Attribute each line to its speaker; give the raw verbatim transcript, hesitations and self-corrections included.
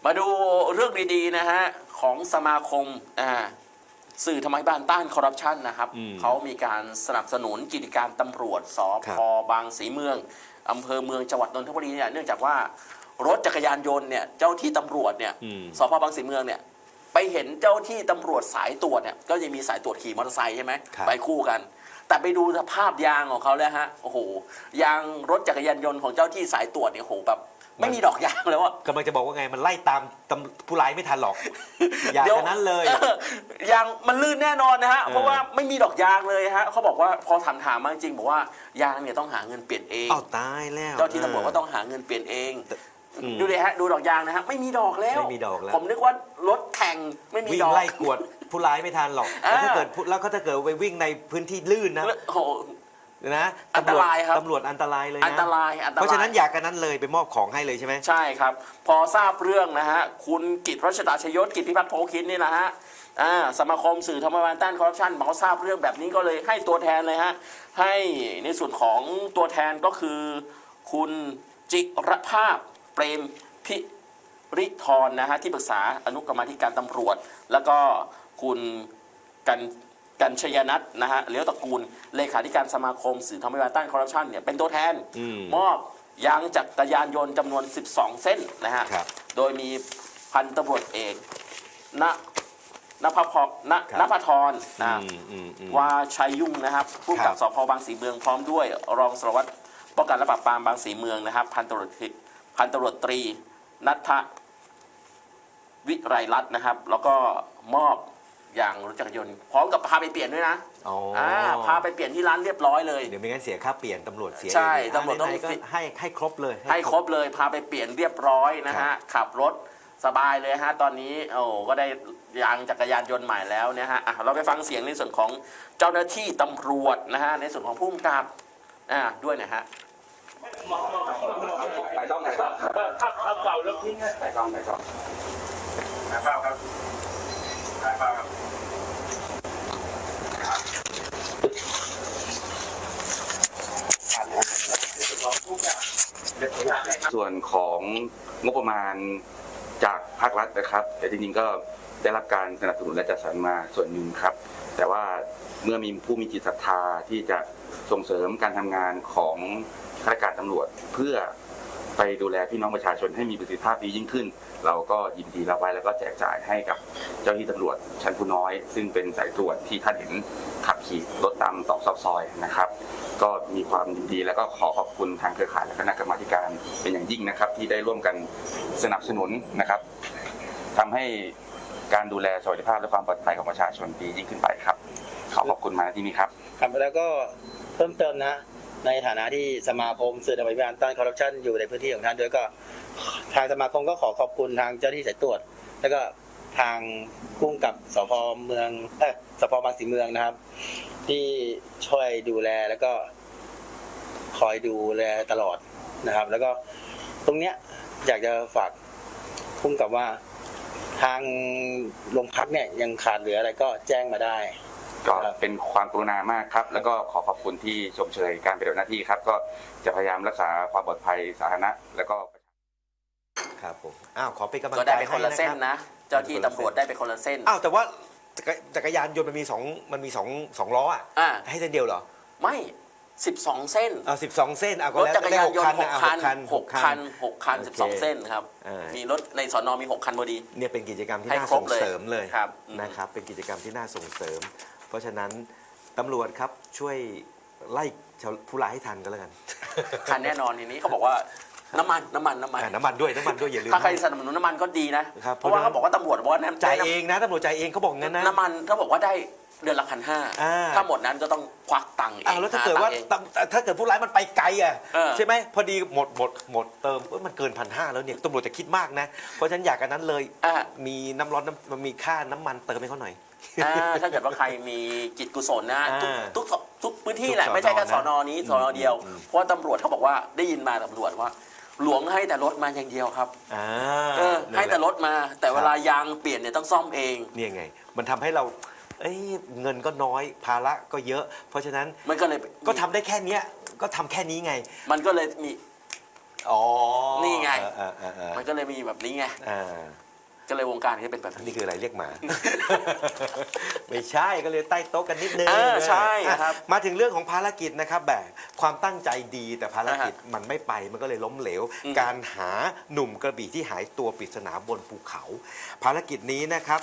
Speaker 1: มาดูเรื่องดีๆนะฮะของสมาคมอ่าสื่อทำไมบ้านต้านคอร์รัปชันนะครับเขามีการสนับสนุนกิจการตำรวจสพบางสีเมืองอำเภอเมืองจังหวัดนนทบุรีเนี่ยเนื่องจากว่ารถจักรยานยนต์เนี่ยเจ้าที่ตำรวจเนี่ยสพบางสีเมืองเนี่ยไปเห็นเจ้าที่ตำรวจสายตรวจเนี่ยก็จะมีสายตรวจขี่มอเตอร์ไซค์ใช่ไหมไปคู่กันแต่ไปดูสภาพยางของเขาแล้วฮะโอ้โหยางรถจักรยานยนต์ของเจ้าที่สายตรวจเนี่ยโอ้โหแบบไม่มีดอกยางแล้วอะ
Speaker 2: กำลังจะบอกว่าไงมันไล่ตามผู้ร้ายไม่ทันหรอกอย่างนั้นเลย
Speaker 1: ยางมันลื่นแน่นอนนะฮะเพราะว่าไม่มีดอกยางเลยฮะเขาบอกว่าพอถามถามมาจริงบอกว่ายางเนี่ยต้องหาเงินเปลี่ยนเอง
Speaker 2: อ้าวตายแล้ว
Speaker 1: เจ้าที่ตำรวจก็ต้องหาเงินเปลี่ยนเองดูเลยฮะดูดอกยางนะฮะไม่มีดอกแล้ว
Speaker 2: ไม่มีดอกแล้ว
Speaker 1: ผมนึกว่ารถแข่งไม่มีดอก
Speaker 2: วิ่งไล่กวดผู้ร้ายไม่ทันหรอกแล้วถ้าเกิดแล้วก็ถ้าเกิดไปวิ่งในพื้นที่ลื่นนะนะ
Speaker 1: อันตรายครับ
Speaker 2: ตำรวจอันตรายเลยนะ
Speaker 1: อันตรายอันตราย
Speaker 2: เพราะฉะนั้นอยากกันนั้นเลยไปมอบของให้เลยใช่ไหม
Speaker 1: ใช่ครับพอทราบเรื่องนะฮะคุณกิตรัชดาชยศกิตพิพัฒน์โพคินนี่นะฮะสมาคมสื่อธรรมบาลต้านคอร์รัปชันบอกว่าทราบเรื่องแบบนี้ก็เลยให้ตัวแทนเลยฮะให้ในส่วนของตัวแทนก็คือคุณจิรภาพเปรมพิริธรนะฮะที่ปรึกษาอนุกรรมาธิการตำรวจแล้วก็คุณกันกัญชยนัทนะฮะเลี้ยวตระกูลเลขาธิการสมาคมสื่อธรรมบาลต้านคอร์รัปชันเนี่ยเป็นตัวแทนมอบยางจักรยานยนต์จำนวนสิบสองเส้นนะฮะโดยมีพันตำรวจเอกณนภพณนภธรนะวาชัยยุ่งนะครับผู้กำกับสพบางสีเมืองพร้อมด้วยรองสารวัตรป้องกันและปราบปรามบางสีเมืองนะครับพันตำรวจพันตำรวจตรีณัฐวิไรรัตน์นะครับแล้วก็มอบอย่างรถจักรยานยนต์พร้อมกับพาไปเปลี่ยนด้วยนะอ่าพาไปเปลี่ยนที่ร้านเรียบร้อยเลย
Speaker 2: เดี๋ยวไม่งั้นเสียค่าเปลี่ยนตำรวจเสีย
Speaker 1: ใช่ตำรวจต้อง
Speaker 2: ให้ให้ครบเลย
Speaker 1: ให้ครบเลยพาไปเปลี่ยนเรียบร้อยนะฮะขับรถสบายเลยฮะตอนนี้โอ้ก็ได้ยางจักรยานยนต์ใหม่แล้วเนี่ยฮะเราไปฟังเสียงในส่วนของเจ้าหน้าที่ตำรวจนะฮะในส่วนของผู้กำกับอ่าด้วยนะฮะ
Speaker 3: ไปต้องไหนครับขับขับเก่าแล้วทิ้งไปต้องไหนครับไหนเปล่าครับไหนเปล่าครับ
Speaker 4: ส่วนของงบประมาณจากภาครัฐนะครับแต่จริงๆก็ได้รับการสนับสนุนและจัดสรรมาส่วนหนึ่งครับแต่ว่าเมื่อมีผู้มีจิตศรัทธาที่จะส่งเสริมการทำงานของข้าราชการตำรวจเพื่อไปดูแลพี่น้องประชาชนให้มีประสิทธิภาพดียิ่งขึ้นเราก็ยินดีรับไว้แล้วก็แจกจ่ายให้กับเจ้าหน้าที่ตำรวจชั้นผู้น้อยซึ่งเป็นสายตรวจที่ท่านเห็นขับขี่รถตามตอกซอกซอยนะครับก็มีความยินดีแล้วก็ขอขอบคุณทางเครือข่ายและคณะกรรมาการเป็นอย่างยิ่งนะครับที่ได้ร่วมกันสนับสนุนนะครับทำให้การดูแลสวัสดิภาพและความปลอดภัยของประชาชนดียิ่งขึ้นไปครับขอขอบคุณมาที่นี้ครับ
Speaker 5: ครับแล้วก็เพิ่มเติมนะในฐานะที่สมาคมสื่อธรรมบาลต้านคอร์รัปชันอยู่ในพื้นที่ของท่านด้วยก็ทางสมาคมก็ขอขอบคุณทางเจ้าหน้าที่สายตรวจแล้วก็ทางผู้กำกับสพเมืองเอ่อสพบางสีเมืองนะครับที่ช่วยดูแลแล้วก็คอยดูแลตลอดนะครับแล้วก็ตรงเนี้ยอยากจะฝากผู้กำกับว่าทางโรงพักเนี่ยยังขาดเหลืออะไรก็แจ้งมาได้
Speaker 4: ก็เป็นความกรุณามากครับแล้วก็ขอขอบคุณที่ชมเชยการปฏิบัติหน้าที่ครับก็จะพยายามรักษาความปลอดภัยสาธารณะแล้วก็
Speaker 2: ครับผมอ้าวขอเป็นกำลังใจ
Speaker 1: ก็ได้เป็นคนละเส้นนะเจ้าที่ตำรวจได้เป็นคนละเส้น
Speaker 2: อ้าวแต่ว่าจักรยานยนต์มันมีสองมันมีสองสองล้ออ่ะให้เส้นเดียวเหรอ
Speaker 1: ไม่สิบสองเส้น
Speaker 2: อ่าสิบสองเส้นอ่ะก็
Speaker 1: แล้วจักรยานยนต์หกคันหกคันหกคันสิบสองเส้นครับมีรถในสน.มีหกคันพอดี
Speaker 2: เนี่ยเป็นกิจกรรมที่น่าส่งเสริมเลยนะครับเป็นกิจกรรมที่น่าส่งเสริมเพราะฉะนั้นตำรวจครับช่วยไล่ผู้ร้ายให้ทันก็แล้วกัน
Speaker 1: ทันแน่นอนทีนี้เขาบอกว่าน้ำมันน้ำมันน้ำมัน
Speaker 2: น้ำมันด้วยน้ำมันด้วยอย่าลืม
Speaker 1: ถ้าใครสนับสนุนน้ำมันก็ดีนะเพราะว่าเขาบอกว่าตำรวจบอกว่า
Speaker 2: จ่ายเองนะตำรวจจ่ายเองเขาบอกงั้นนะ
Speaker 1: น้ำมันเขาบอกว่าได้เดือนละพันห้าถ้าหมดนั้นก็ต้องควักตังค์เอง
Speaker 2: แล้วถ้าเกิดว่าถ้าเกิดผู้ร้ายมันไปไกลอ่ะใช่ไหมพอดีหมดหมดหมดเติมมันเกินพันห้าแล้วเนี่ยตำรวจจะคิดมากนะเพราะฉะนั้นอยากกันนั้นเลยมีน้ำร้อนมันมีค่าน้ำมันเติมให้เขาหน่อย
Speaker 1: ถ้าเกิดว่าใครมีจิตกุศลนะทุกทุกทุกพื้นที่แหละไม่ใช่แค่สน.นี้สน.เดียวเพราะว่าตำรวจเขาบอกว่าได้ยินมาตำรวจว่าหลวงให้แต่รถมาอย่างเดียวครับให้แต่รถมาแต่เวลายางเปลี่ยนเนี่ยต้องซ่อมเอง
Speaker 2: นี่ไงมันทำให้เราเอ้ยเงินก็น้อยภาระก็เยอะเพราะฉะนั้น
Speaker 1: มันก็เลย
Speaker 2: ก็ทำได้แค่นี้ก็ทำแค่นี้ไง
Speaker 1: มันก็เลยมี
Speaker 2: อ๋อ
Speaker 1: นี่ไง
Speaker 2: อ่าอ่าอ่า
Speaker 1: มันก็เลยมีแบบนี้ไง
Speaker 2: อ่า
Speaker 1: ก็เลยวงการก็เป็นแบบ
Speaker 2: นี่
Speaker 1: นี้
Speaker 2: คืออะไรเรียกหมา ไม่ใช่ก็เลยใต้โต๊ะกันนิดนึง
Speaker 1: เออใช่
Speaker 2: อ่ะ
Speaker 1: ครับ
Speaker 2: มาถึงเรื่องของภารกิจนะครับแบบความตั้งใจดีแต่ภารกิจมันไม่ไปมันก็เลยล้มเหลว
Speaker 1: อืม
Speaker 2: การหาหนุ่มกระบี่ที่หายตัวปริศนาบนภูเขา ภารกิจนี้นะครับ